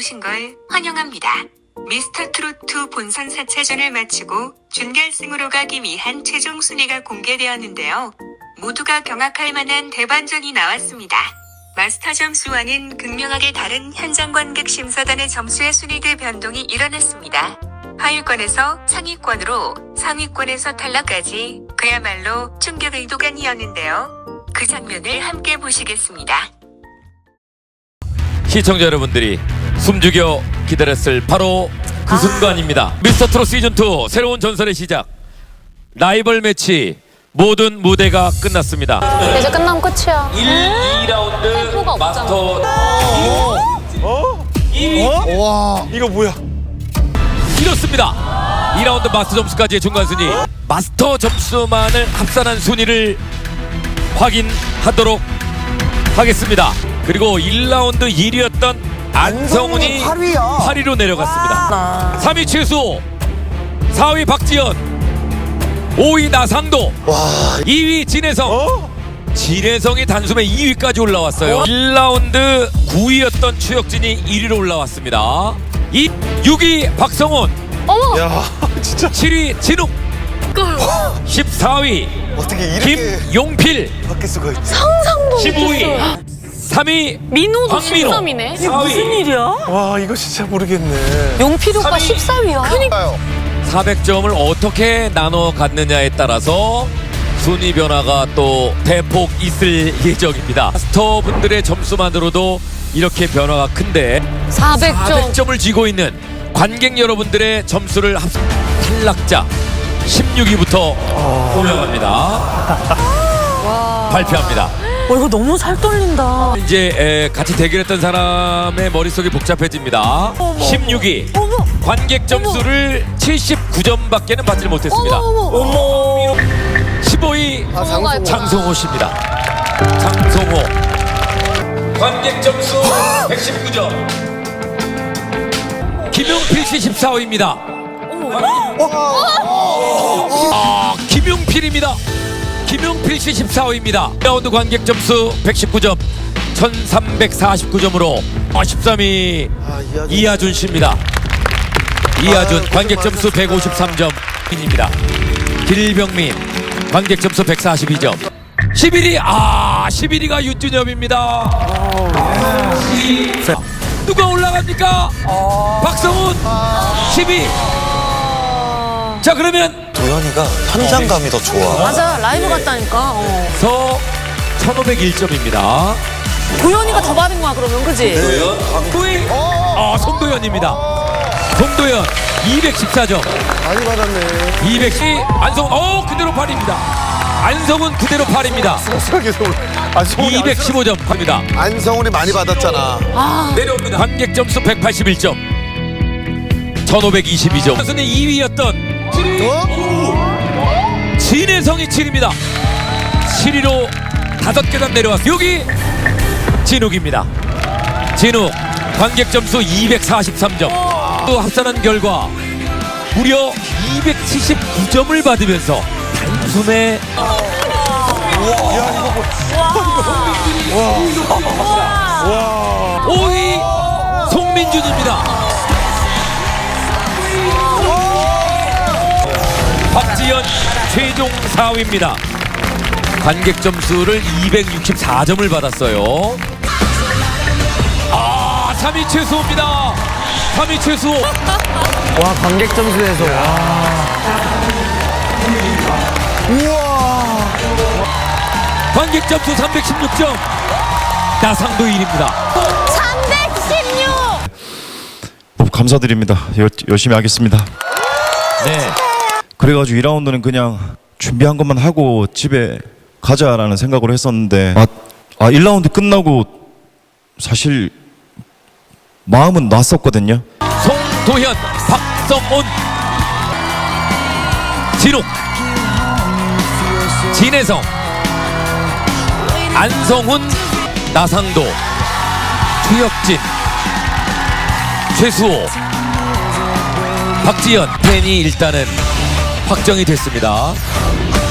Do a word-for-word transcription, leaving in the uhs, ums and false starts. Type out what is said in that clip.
나오신 걸 환영합니다. 미스터 트로트 본선 사 차전을 마치고 준결승으로 가기 위한 최종 순위가 공개되었는데요. 모두가 경악할 만한 대반전이 나왔습니다. 마스터 점수와는 극명하게 다른 현장 관객 심사단의 점수의 순위대 변동이 일어났습니다. 하위권에서 상위권으로, 상위권에서 탈락까지 그야말로 충격의 도가니였는데요. 그 장면을 함께 보시겠습니다. 시청자 여러분들이 숨죽여 기다렸을 바로 그 아. 순간입니다. 미스터 트롯 시즌 투 새로운 전설의 시작. 라이벌 매치 모든 무대가 끝났습니다. 이제 끝나면 끝이야. 일, 이 라운드 마스터 어? 이 위 어? 와 이거 뭐야? 이렇습니다. 이 라운드 마스터 점수까지의 중간 순위. 마스터 점수만을 합산한 순위를 확인하도록 하겠습니다. 그리고 일 라운드 일 위였던 안성훈이 팔 위야. 팔 위로 내려갔습니다. 삼 위 최수호, 사 위 박지연, 오 위 나상도, 와 이 위 진혜성. 어? 진혜성이 단숨에 이 위까지 올라왔어요. 일 라운드 구 위였던 추혁진이 일 위로 올라왔습니다. 이, 육 위 박성훈, 어머! 야 진짜 칠 위 진욱, 십사 위 어떻게 이렇게 김용필, 바뀔 수가 있지? 상상도 십오 위 못했어. 삼 위 민호도 박민호, 십삼이네. 사 위 일이야? 와 이거 진짜 모르겠네. 용필 오빠 삼 위. 십사 위야. 그러니까요. 사백 점을 어떻게 나눠 갖느냐에 따라서 순위 변화가 또 대폭 있을 예정입니다. 마스터분들의 점수만으로도 이렇게 변화가 큰데 사백 점. 사백 점을 쥐고 있는 관객 여러분들의 점수를 합 탈락자 십육 위부터 올라갑니다. 발표합니다. 어, 이거 너무 살 떨린다. 이제 에, 같이 대결했던 사람의 머릿속이 복잡해집니다. 십육 위 어머! 관객 점수를 칠십구 점밖에는 받지 못했습니다. 어머, 어머. 십오 위 아 장소. 장성호 씨입니다. 장성호 관객 점수 백십구 점. 김용필 씨 십사 위입니다. 아, 김용필입니다. 김용필 씨 십사 위입니다. 라운드 관객 점수 백십구 점, 천삼백사십구 점으로 십삼 위 아, 이하준. 이하준 씨입니다. 이하준 관객 점수 백오십삼 점입니다. 길병민 관객 점수 백사십이 점. 십일 위 아 십일 위가 윤준엽입니다. 누가 올라갑니까? 박성훈 십 위. 자 그러면 도현이가 현장감이 더 좋아. 맞아, 라이브 같다니까. 어. 서 천오백일 점입니다. 도현이가 더 받은 거야, 그러면, 그지? 송도현 아 송도현입니다. 송도현 이백십사 점. 많이 받았네. 이백십 안성훈 어 그대로 팔 위입니다. 안성훈 그대로 팔 위입니다. 속상하게 서울. 안성훈이 이백십오 점 합니다. 안성훈이 많이 받았잖아. 아, 내려옵니다. 관객 점수 백팔십일 점, 천오백이십이 점. 선수는 이 위였던 어? 진혜성이 칠 위입니다. 칠 위로 다섯 계단 내려왔어요. 여기 진욱입니다. 진욱 관객 점수 이백사십삼 점. 또 합산한 결과 무려 이백칠십구 점을 받으면서 단숨에 오 위 송민준입니다. 박지연 최종 사 위입니다. 관객 점수를 이백육십사 점을 받았어요. 아, 삼 위 최수호입니다. 삼 위 최수호. 와 관객 점수에서 우와. 관객 점수 삼백십육 점. 나상도 일 위입니다. 삼백십육! 뭐 감사드립니다. 여, 열심히 하겠습니다. 네. 그래가지고 이 라운드는 그냥 준비한 것만 하고 집에 가자라는 생각으로 했었는데 아, 아 일 라운드 끝나고 사실 마음은 놨었거든요. 송도현, 박성훈, 진욱, 진혜성, 안성훈, 나상도, 추혁진, 최수호, 박지연 팬이 일단은 확정이 됐습니다.